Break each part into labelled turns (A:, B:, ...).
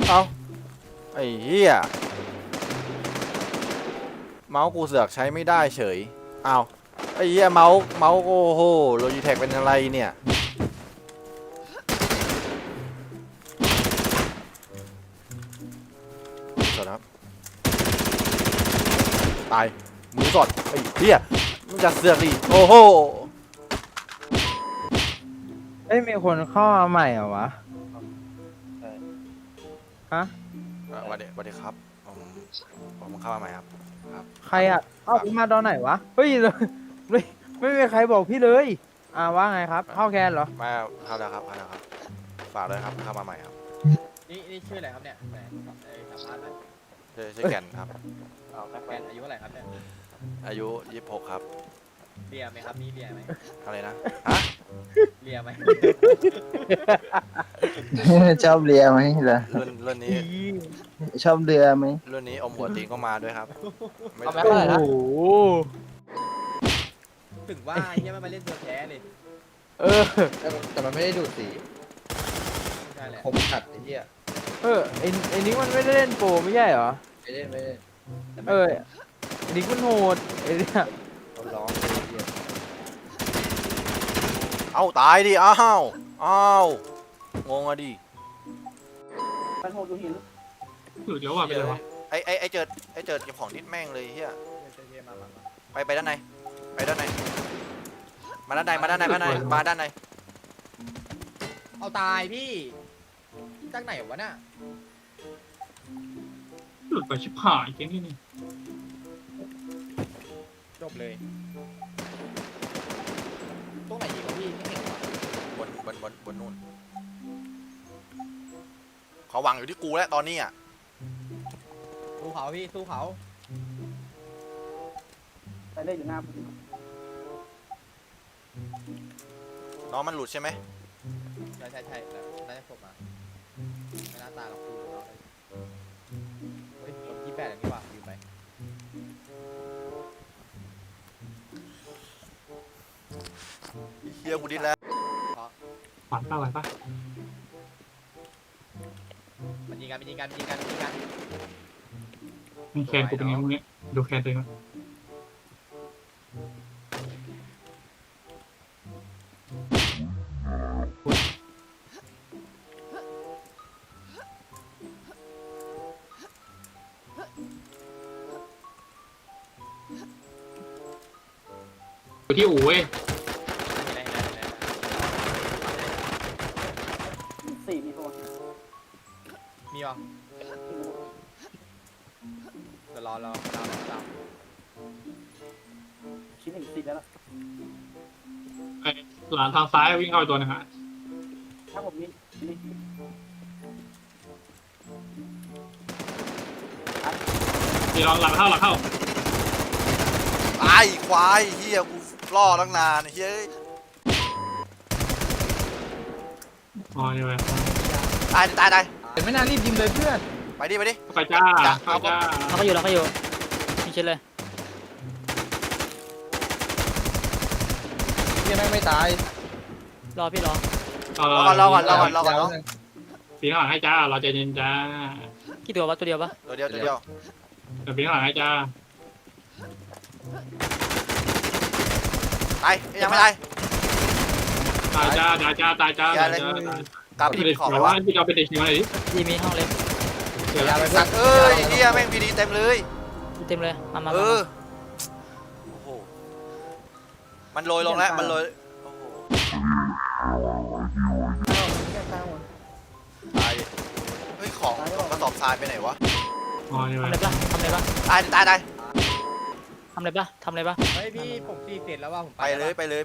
A: เอาไอ้เหี้ยเมาส์กูเสือกใช้ไม่ได้เฉยเอาไอ้เหี้ยเมาส์โอ้โหโลจิเทคเป็นอะไรเนี่ยสดครับตายมือสดไอ้เหี้ยมึงจะเสือกดิโอ้โห
B: เอ้ยมีคนเข้ามาใหม่เหรอวะฮะ
A: สวัสดีครับผมเข้ามาใหม่ครับครับ
B: ใครอ่ะเอ้ามาตอนไหนวะเฮ้ยไม่มีใครบอกพี่เลยว่าไงครับเข้าแคนเหรอ
A: มาเข้าแล้วครับฝากเลยครับเข้ามาใหม่ครับ
C: นี่ชื่ออะไรครับเนี่ยแหมสัมภาษณ์หน่อย
A: ชื่อแก่นครับ
C: แฟนอายุเท่าไหร่ครับเนี่ย
A: อายุ26ครับ
C: เรียไหมครับมีเรียไหม
A: อะไรนะฮะ
C: เรียไหม
D: ชอบเรือไหมล่ะ
A: รุ่นนี้
D: ชอบเรือไหม
A: รุ่นนี้อมหัวตีนก็มาด้วยครับไม่
B: โอ้โห
C: ถึงว่าเฮียมันมาเล่นตัวแท้เลย
B: เออ
E: แต่มันไม่ได้ดูดสี
C: ใช่แหละ
E: คมขัดไอ้เหี้ย
B: ไอ้นิกมันไม่ได้เล่นโปรไม่ใช่เหรอ
E: ไม่ได้ไม่ได้
B: ไอ้นิกมันโหดไอ้เนี่ย
E: เขาร้องไอ้เหี้ย
A: เอาตายดิอ้าวงงอะดิ
F: หลุดแล้วว่ะไปเลยวะ
A: ไอเจิดเก็บของนิดแม่งเลยเฮีย
C: เฮียมา
A: ไปด้านในมาด้านในมาด้านใน
C: เอาตายพี่จากไหนวะน่ะ
F: หลุดไปชิบหายเก่งที่นี่
C: จบเลยตรงไหนอีกวะพี่ไม่เห็นวะ
A: บนนู่นเขาหวังอยู่ที่กูแล้วตอนนี้อ่ะ
C: สู้เขาพี่สู้เขา
G: ไปเล่นอยู่หน้า
A: น้องมันหลุดใช่ไหม
C: ใช่แล้วน่าจะจบมาไม่น่าตายหรอกดูเราเลยเฮ้ยลม28อย่างนี้ว่ะอยู่ไป
A: เฮียกูดิ้นแล้ว
F: ฝันป่ะไหวป่ะ
C: มันยิงกัน
F: มีแคนกูเป็นไงพวกนี้ดูแคนตัวเองก่อนอยู่ที่อู่เว้ย
G: สี่มีตัว
C: มีเหรอเดี๋ยวรอ
G: ชิ้นหนึ่งสี่แล้วล่ะ
F: ไอ้หลานทางซ้ายวิ่งเข้าไปตัวหนึงฮะ
G: ถ้าผมนี่นี่
F: ทีลองหลังเข้า
A: ตายควายเฮียกูล่อตั้งนานเฮ้ย
F: อ๋อนี่เว้ย
A: ตาย
B: แต่ไม่น่ารีบยิงเลยเพื่อน
A: ไปดิ
F: ไปจ้าเข้าจ้า
H: เราก็อยู่มีชิ้นเลย
E: เหี้ยแม่งไม่ตาย
H: รอพี่รอ
A: รอก่อน
F: ปีนข้างหลังให้จ้าเราใจเย็นจ้า
H: กี่ตัววะตัวเดียวปะ
A: ตัวเดียว
F: เดี๋ยวปีนข้างหลังให้จ้า
A: ตายยังไม่ตาย
F: ตายจ้า
A: กลับไปที่ของ
F: แล้
A: แล้ว ว
F: ว่า
A: วะ
F: พี่เราเป็นเด็กชิวอะไรดิ
H: ดีมีห้องเล็ก
F: เดี๋ยว
A: สัตว์เอ้ยเฮียแม่งพีดีเต็มเลย
H: เต็มเลยมา
A: โอ้โหมันโรยลงแล้วมันโรยโอ้โหตายเฮ้ยของกระสอบทรายไปไหนวะ
F: อ๋อนี่
H: ทำ
F: เว้ย
H: อะไรปะ
A: ตาย
H: ทำอะไรปะ
C: เฮ้ยพี่ผมตีเสร็จแล้วว่าผม
A: ไปเลย
G: ไปเลย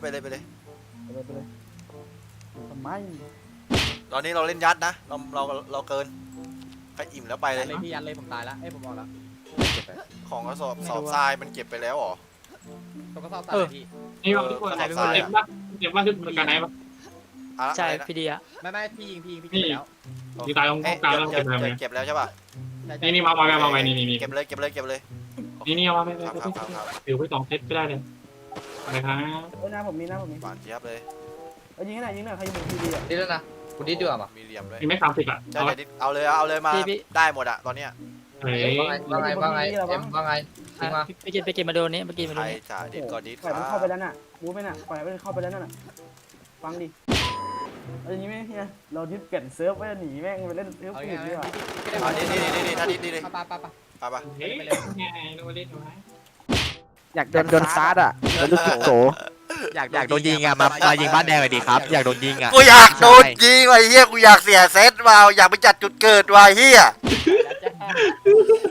G: ทำไม
A: ตอนนี้เราเล่นยัดนะเราเกินใครอิ่มแล้วไปเลย
C: เลยพี่ยันเลยผมตายแล้วเอ้ยผมบอกแล้ว
A: ของกระสอบทรายมันเก็บไปแล้วเหรอ
C: ต้องก็สอบตายพี่
F: นี่ว่าทุกคนเต็มป่ะทุกคนกันไหนป่ะ
H: ใช่พี่ดีอะ
C: ไม่พี่ยิงพี่แล้ว
F: ยิงตายตรงกลางแล้วเก็บไป
A: เก็บแล้วใช่ป่ะ
F: นี่มาไว้นี่
A: เก็บเลย
F: นี่เอามาไม่
A: ครับ
F: ถือไว้2 เซตก็ได้เลยอะไรครับ
G: หน้าผมมี
A: หวานเจี๊ยบเลย
G: ยิงให้หน่อยใครยิงทีดีอ่ะ
E: นี่แล้วนะกูดิดดีกว่าปะ
A: มีเหลี่ยมด้วย
F: มีไม่30อ่ะ
A: ใช่
F: เอา
A: ใช่ดิเอาเลยมา
H: พี่
A: ได้หมดอะตอนเนี้ย
F: เฮ้ย
E: ว่าไงว่าไงเอ็มว่าไงจริง
H: อ่ะ
E: มา
H: ไปกินมาโดนนี้ไปกินมา
A: ใค
H: โด
A: ร
H: นนี้
A: จ่าดิดก็ดิด
G: ปล่อยมันเข้าไปแล้วน่ะมูฟไปน่ะปล่อยมันเข้าไปแล้วน่ะฟังดิเอาอย่างนี้ไหมเฮียเราดิสเปลี่ยนเซิร์ฟไว้หนีแม่งไปเล่นเซิร์ฟ
C: เอา
G: อื่
C: ไง
G: นดีกว่า
A: อ่ะนี่ถ้าดิดนี่
C: ปะปะปะ
A: ไป
F: เฮ้ยไงนูเล่นหนูไหม
B: อยากโดนซาร์ดอ่ะโดนโส
I: อยากโดนยิงอ่ะมายิงบ้านแดงหน่อยดิครับ อยากโดนยิงอ่ะ
A: กูอยากโดนยิงว่ะเฮียกูอยากเสียเซตว่ะอยากไปจัดจุดเกิดว่ะเฮีย
C: แล้วจ้า